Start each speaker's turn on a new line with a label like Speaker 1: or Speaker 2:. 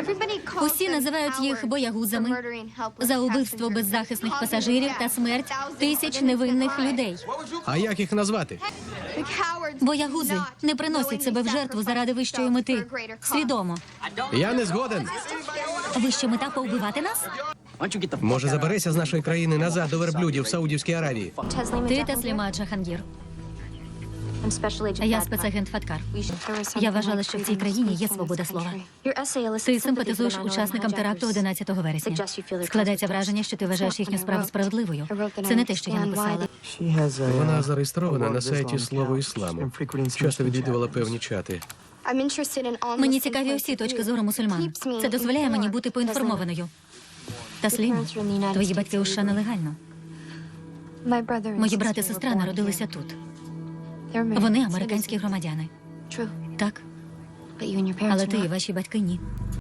Speaker 1: Усі називають їх боягузами за убивство беззахисних пасажирів та смерть тисяч невинних людей.
Speaker 2: А як їх назвати?
Speaker 1: Боягузи не приносять себе в жертву заради вищої мети. Свідомо.
Speaker 2: Я не згоден.
Speaker 1: Вища мета – повбивати нас?
Speaker 2: Може, заберися з нашої країни назад до верблюдів в Саудівській Аравії?
Speaker 1: Ти Тасліма Джахангір. Я спецагент Фаткар. Я вважала, що в цій країні є свобода слова. Ти симпатизуєш учасникам теракту 11 вересня. Складається враження, що ти вважаєш їхню справу справедливою. Це не те, що я написала.
Speaker 2: Вона зареєстрована на сайті «Слово ісламу». Часто відвідувала певні чати.
Speaker 1: Мені цікаві усі точки зору мусульман. Це дозволяє мені бути поінформованою. Таслім, твої батьки у США нелегально. Мої брат і сестра народилися тут. Вони американські громадяни. Так, але ти і ваші батьки – ні.